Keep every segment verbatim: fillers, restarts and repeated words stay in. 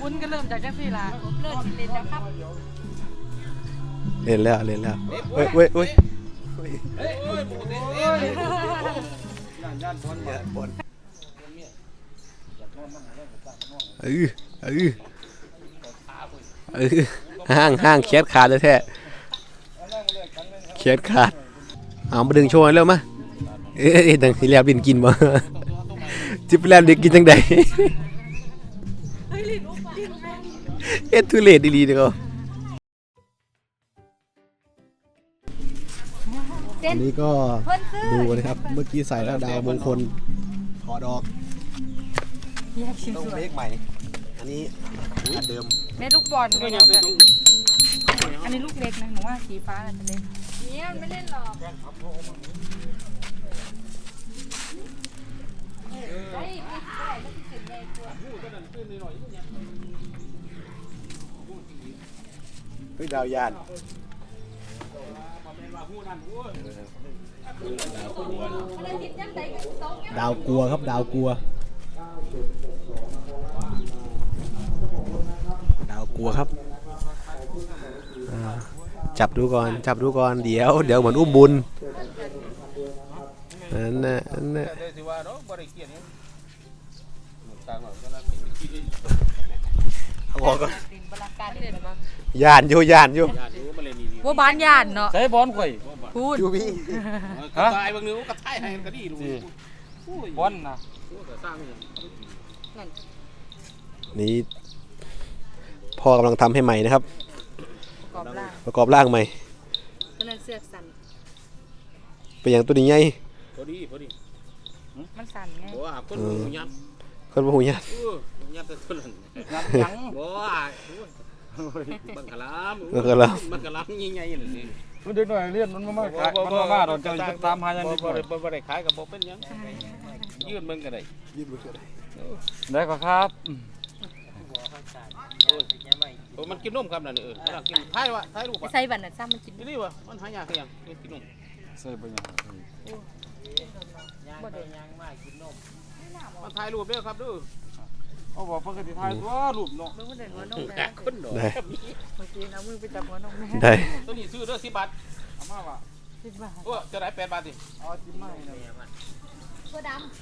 วุ้นก็เริ่มจากจังสี่ละเริ่มเล่นแล้วครับเล่นแล้วเล่นแล้วเว้ยเว้ยเว้ยเออเออเออเออห้างห้างแคสขาดเลยแท้แคสขาดเอามาดึงโชว์เร็วมาเอ๊ะดังที่แล้วดินกินบ่จิบแล้วดินกินจังใดเอ็ดทุเรศดีๆเด้ออันนี้ก็ดูนะครับเมื่อกี้ใส่แล้วดาวมงคลถอดออกต้องเบรกใหม่อันนี้อันเดิมเม็ดลูกบอลอันนี้ลูกเล็กนะหนูว่าสีฟ้าอาจจะเล็กเนี่ยไม่เล่นหรอกเฮ้ยดาวยานดาวกลัวครับดาวกลัวดาวกลัวครับจับดูก่อนจับดูก่อนเดี๋ยวเดี๋ยวเหมือนอุ้มบุญนั่นน่ะนั่นน่ะเอาออกก่อนย่านอยู่ย่านอยู่บัวบานย่านเนาะใส่บอลข่อยพูดอยู่พี่ฮะตายบางนึงก็ท้ายให้ก็ดีดูบอลนะนี่พ่อกำลังทำให้ใหม่นะครับประกอบร่างใหม่ก็นั่นเสือกสั่นเป็นอย่างตัวนี้ไงพอดีพอดีมันสั่นไงบ่คนหูยับคนหูยับยับแต่คนนั้นยับยังบ่บังกะลามบังกะลามบังกะลามใหญ่ๆนั่นสิมันเด็กหน่อยเรียนมันมาขายมันมาบ้าเราจะตามหายังดีกว่าบ่ได้ขายกับบ่เป็นหยังยืนเบิ่งก็ได้ยืนเบิ่งก็ได้ได้ก็ครับโอ้มันกินนมครับนั่นเออมันกินท้ายว่าท้ายรูปอ่ะใส่บัตรน่ะซ้ำมันกินนี่ว่ะมันหายากคือหยังกินนมใส่บ่ยังบ่ได้ยังมากินนมมันถ่ายรูปเด้อครับเด้อเอาบอกปกติถ่ายตัวรูปเนาะมึงบ่ได้หัวนมได้คนดอกได้เมื่อกี้เอามือไปจับหัวนมแม่ได้ตัวนี้ซื้อเด้อสิบบาทเอามาว่ะสิบบาทโอ้จะได้แปดบาทดิเอาจิ้มมาให้นะตัวดำ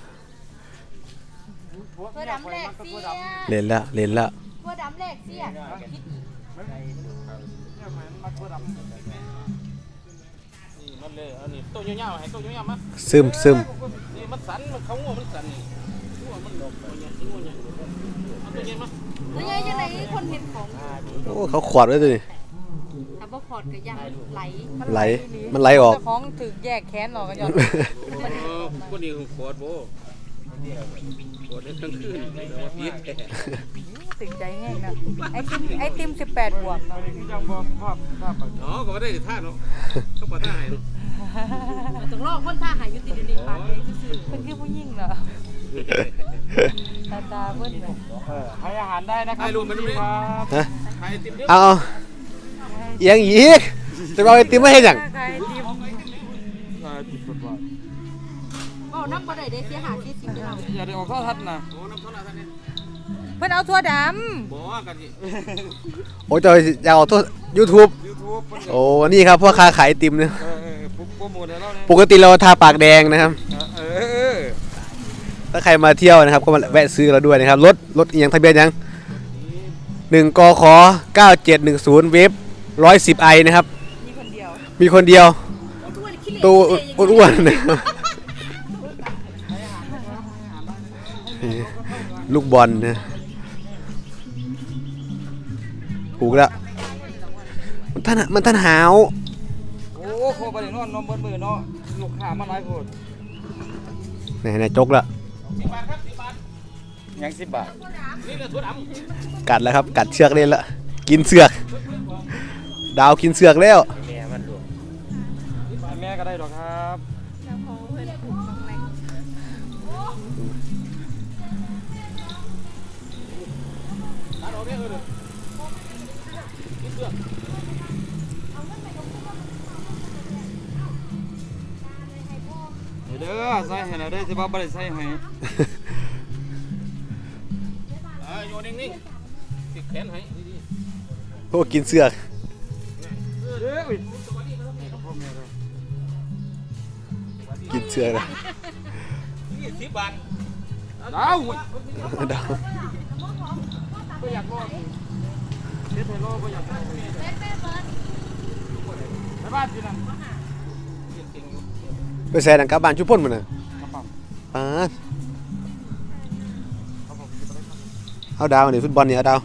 ตัวดำแรกเสียเล่นละเล่นละตัวดำแรกเสียคิดมันเลยอันนี้ตัวยาวๆให้ตัวยาวๆมาซึมซึมนี่มันสั่นมันเขางัวมันสั่นนี่งัวมันหลบตัวใหญ่งัวใหญ่เอาตัวใหญ่มาตัวใหญ่จังได๋คนเห็นของโอ้เขาขวดไว้ตัวนี้ถ้าบ่ขอดก็ยังไหลไหลมันไหลออกของถึกแยกแขนออกก็ย้อนเออคนนี้ขวดบ่ขวดได้ทั้งคืนว่าพีดตึงใจแห้งนะไอติมไอติมสิบแปดบวกเนาะอ๋อก็บ่ได้ท่าเนาะเขาบ่ท่าให้เนาะต้องรอคนท่าหายอยู่ติดอยู่ในปากเองซื่อๆเพิ่นคือผู้หญิงเหรอตาตาเพิ่นเออให้อาหารได้นะครับให้รูปมันดูดิฮะให้ไอติมเด้อเอาเอียงอีกจะเอาไอติมมาเฮ็ดหยังไอติมไอติมเพิ่นว่าเว้านำบ่ได้เด้เสียหาสี่สิบเด้ออย่าได้ออกโทรทัศน์นะโอ้น้ำโทรทัศน์นี่เพิ่นเอาถั่วดำบ่กันสิโอ้จะอยากเอาโทษ YouTube โอ้นี่ครับพวกค้าขายไอติมเนี่ยปกติเราทาปากแดงนะครับถ้าใครมาเที่ยวนะครับก็มาแวะซื้อเราด้วยนะครับรถรถอีกอย่างทะเบียนยังหนึ่งกขเก้าเจ็ดหนึ่งศูนย์เวฟร้อยสิบไอนะครับมีคนเดียวมีคนเดียวตัวอ้วนๆนะครับลูกบอลนะถูกแล้วมันท่านมันท่านหาวโอ้โคบริโนอนนมบนมือเนาะลูกค้ามาหลายคนไหนไหนจกละสิบบาทครับสิบบาทยังสิบบาทนี่เลยถั่วดำกัดแล้วครับกัดเชือกเล่นละกินเสือกดาวกินเสือกแล้วแม่มันดูแม่ก็ได้หรอกครับเด้อใส่ให้เราได้สิบ่บ่ได้ใส่ให้เอออยู่นิ่งๆติดแขนให้ดีโอ้กินเสือกเอ้ยกินเสือกเลยๆยี่สิบบาทดาวดาวก็อยากรอเฮ็ดให้รอก็อยากรอไปบ้านที่นั่นไปแซ่ดังกลับบ้านชุบพ่นมันน่ะกระเป๋าปาดครับผมจะไปครับเอาดาวนี่ฟุตบอลนี่เอาดาว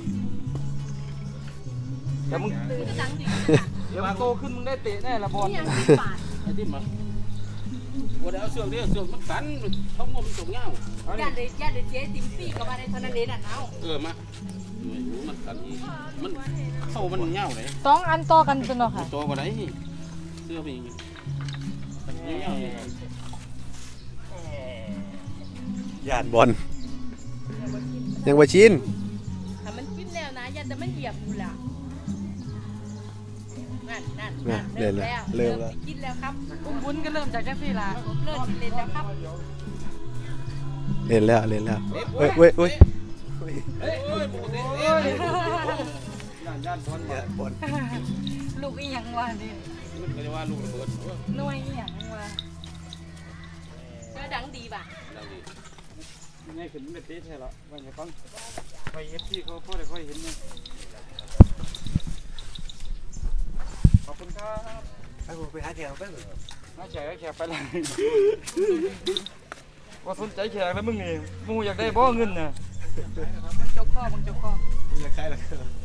เดี๋ยวมึงเดี๋ยวมึงโตขึ้นมึงได้เตะแน่ละบอลไอ้ที่มาว่าได้เอาเสือกเนี่ยเสือกมันสันท้องมันจงเงาญาติญาติเจ๊ติ๋มปีกับมาในเท่านั้นเองน่ะเอาเออมาไม่รู้มันสันอีมันเข้ามันเงาเลยสองอันต่อกันจนเนาะค่ะโตกว่าไหนเสื้อไปอย่างงี้เงาเลยญาติบอลยังบ่ชินถ้ามันกินแล้วนะญาติแต่มันเหยียบอยู่ล่ะนั่นนั่นน่ะเล่นแล้วเริ่มแล้วกินแล้วครับวุ้นก็เริ่มจากจังซี่ล่ะเริ่มเล่นแล้วครับเล่นแล้วเล่นแล้วเว้ยเว้ยเว้ยเฮ้ยโอ้ยปกติเอ้ยย่านย่านบอลญาติบอลลูกอีหยังวะนี่มันก็จะว่าลูกระเบิดหน่วยอีหยังวะก็ดังดีป่ะดังดีง่ายขึ้นไม่เตะแท้ละว่าไงฟังไปเอฟซีเขาพอได้ค่อยเห็นไงขอบคุณครับไปผมไปหาแถวไปน่าแขกแขกไปเลยว่าสนใจแขกแล้วมึงนี่มึงอยากได้บ่เงินน่ะมึงจกข้อมึงจกข้ออยากขายแล้ว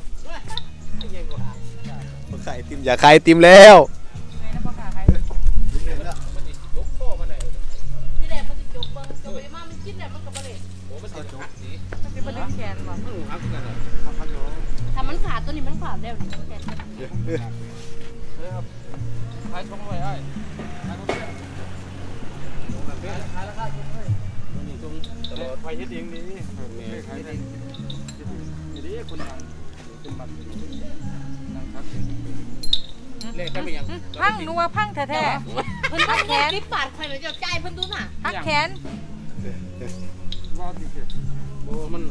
บ่ขายไอติมอยากขายไอติมแล้วไงนะพ่อขาใครมันติดยกข้อมาไหนที่แรกมันจะจกเบิ้งจกไปมามันกินแล้วมันก็บ่เลยโอ้มันติดหักสีมันเป็นบ่ดึงแขนบ่มันหักกันเลยพันโลถ้ามันขาดตัวนี้มันขาดแล้วนี่แขนเฮ้ยครับขายสองร้อยไอ้ขายสองร้อยนี่ตรงตลอดไปเฮ็ดเองนี่ขายเองนี่คนดังเป็นบัตรนั่งพักเองเลขกันไปยังพังนัวพังแท้ๆเพิ่นพักแขนคลิปปาดใครหรือจะใจายเพิ่นดูน่ะพักแขนว่าติเก็บโอ้มัน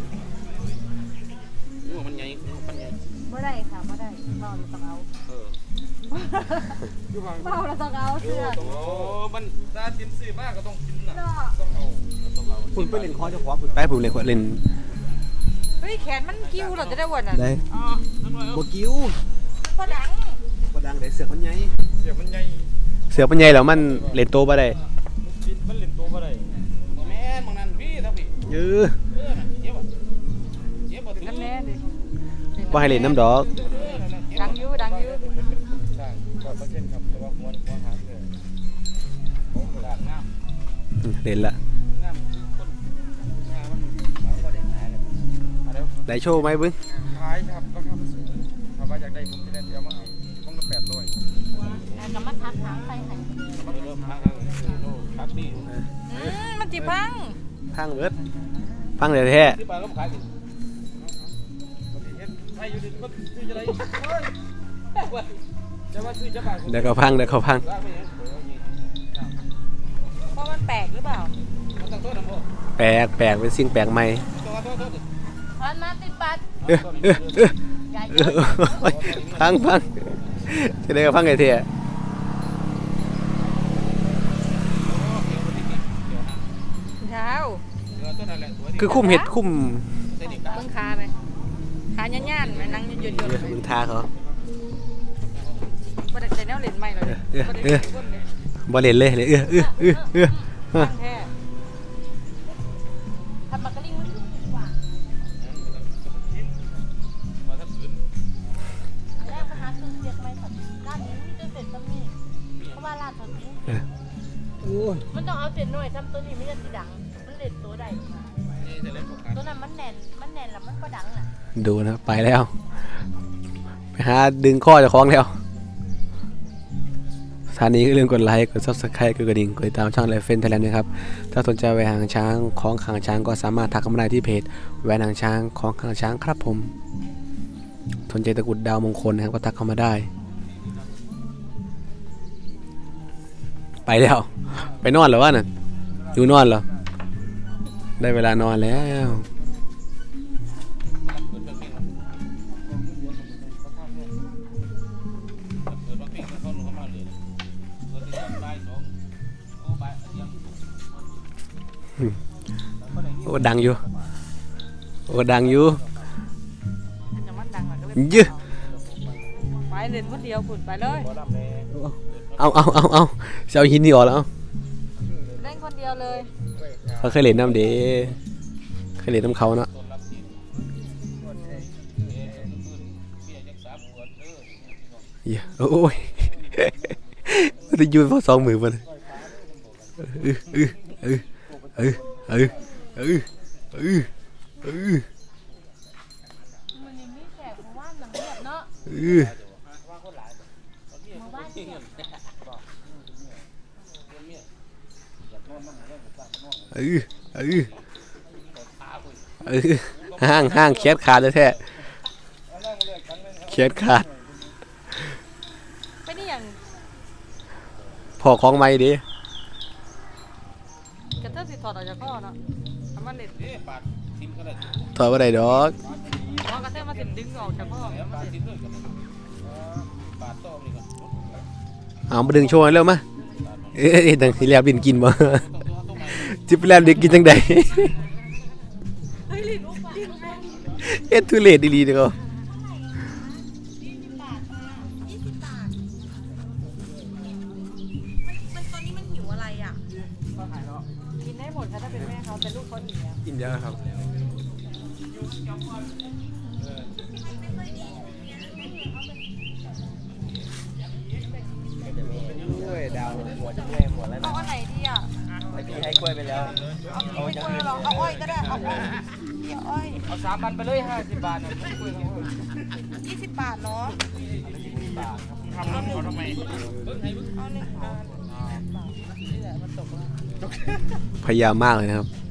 นี่มันใหญ่มันใหญ่บ่ได้ค่ะบ่ได้เมาแล้วต้องเอาเอออยู่บางเมาแล้วต้องเอาเสื้อโอ้มันตาจิ้มซื้อมากก็ต้องกินน่ะเนาะต้องเอาต้องเอาคุณไปเล่นคอเจ้าของคุณไปผมเล่นเล่นเฮ้ยแขนมันกิ้วเหรอจะได้วันน่ะได้อ๋อนั่นว่าบ่กิ้วมันบ่ดังบ่ดังได้เสือกมันใหญ่เสียมันใหญ่เสือกมันใหญ่แล้วมันเล่นโตบ่ได้กินมันเล่นตัวบ่ได้แม่นบางนั้นพี่ถ้าพี่เออเออน่ะเจ็บอ่ะเจ็บบ่ถึงน้ำแน่ดิบ่ให้เล่นน้ำดอกดังอยู่ดังอยู่สร้างก็เปอร์เซ็นต์ครับแต่ว่าหัวหัวหางเลยโอ้โหด่านงามอืมเล่นละงามคนงามมันเอาบ่ได้ขายเลยอะไรได้โชว์ไหมบึ้งขายครับราคามันสูงถ้าว่าอยากได้ผมจะได้เดี๋ยวมาเอาห้องละแปดร้อยแล้วก็มาทักทางไปไหนเริ่มพักแล้วโลพักดีอืมมันสิพังพังเบิดพังแท้ที่บ้านก็ขายดิเฮ็ดไทยอยู่ดิมันซื้อจะได้เฮ้ยจะว่าซื้อจะบาทๆเดี๋ยวก็พังเดี๋ยวก็พังร้านไม่ยังเพราะมันแปลกหรือเปล่ามันต้องโทษนะพ่อแปลกแปลกเป็นสิ่งแปลกใหม่ตัวโทษโทษดิพันมาติดบัตรเออเออเออเออพังพังจะได้ก็พังไงเท่เท้าคือคุ้มเห็ดคุ้มเบิ่งขาไหมขาย่านๆไหมนั่งยืนๆเออมึงทาเขาบ่ได้ใจแนวเล่นใหม่เลยบ่ได้เล่นเบิ่งเลยบ่เล่นเลยเลยเออเออเออเออพังแท้ทำมากระลิ่งมันถูกกว่ามาทับพื้นอันแรกมาหาซื้อเสียกไม่สัตว์ร้านนี้มีแต่เศษตำนี่เพราะว่าร้านเขาทิ้งมันต้องเอาเศษหน่วยทำตัวนี้ไม่ได้สีดัง มันเล่นตัวใดนี่จะเล่นพวกกันตัวนั้นมันแน่น มันแน่นแล้วมันก็ดังน่ะดูนะไปแล้ว ไปหาดึงข้อเจากของแล้วสถานีก็เรื่องกดไลค์กด ซับสไครบ์กดกระดิ่งกดติดตามช่องไลฟ์เฟนไทยแลนด์นะครับถ้าสนใจแหวนหางช้างของหางช้างก็สามารถทักเข้ามาได้ที่เพจแหวนหางช้างของหางช้างครับผมสนใจตะกรุดดาวมงคลนะครับก็ทักเข้ามาได้ ไปแล้ว ไปนอนเหรอวะน่ะอยู่นอนเหรอได้เวลานอนแล้วเปิดเป็นเพลงดังอยู่โอ้ดังอยู่อย่ามันดังหน่อยก็เลยยื้อไปเล่นคนเดียวพุ่นไปเลยเอาเอาเอาเอาเสียหินนี่ออกแล้วเล่นคนเดียวเลยเขาเคยเล่นน้ำเด้เคยเล่นน้ำเขาเนาะเหี้ยโอ้ยมันจะยืนพอสองมือมันเออเออเออเออเออเออเออเออมันยังมีแขกมาว่านหลังเงียบเนาะเออมาว่านเงียบเออเออเออห้างห้างแคสขาดเลยแท้แคสขาดไปนี่อย่างพอของไม่ดิกระเทาะสิถอดออกจากข้อเนาะทำมันเล่นเอ๊ะปาดทิมก็ได้ถอยว่าได้ดอกพอกระเทาะมาสิดึงออกจากข้อแล้วปาดทิมด้วยกันเลยปาดโต้นี่ก่อนเอามาดึงโชว์ให้เร็วมาเอ้ยดังที่แลบดินกินบ่ต้องตัวต้องมาจิบแลบดินกินจังใดเฮ้ยลิ้นอุ้มลิ้นเอ็ดทุเรศดีๆเด้อมันตอนนี้มันหิวอะไรอ่ะกินได้หมดค่ะถ้าเป็นแม่เขาแต่ลูกเขาหนีอะกินเยอะครับกล้วยดาวหัวจะแม่หมดแล้วเอาอันไหนดีอ่ะเมื่อกี้ให้กล้วยไปแล้วเอาไม่กล้วยหรอกเอาอ้อยก็ได้เอาอ้อยเดี๋ยวอ้อยเอาสามพันไปเลยห้าสิบบาทนะกล้วยเขายี่สิบบาทเนาะทำน้ำเขาทำไมเอาหนึ่งบาทพยายามมากเลยนะครับ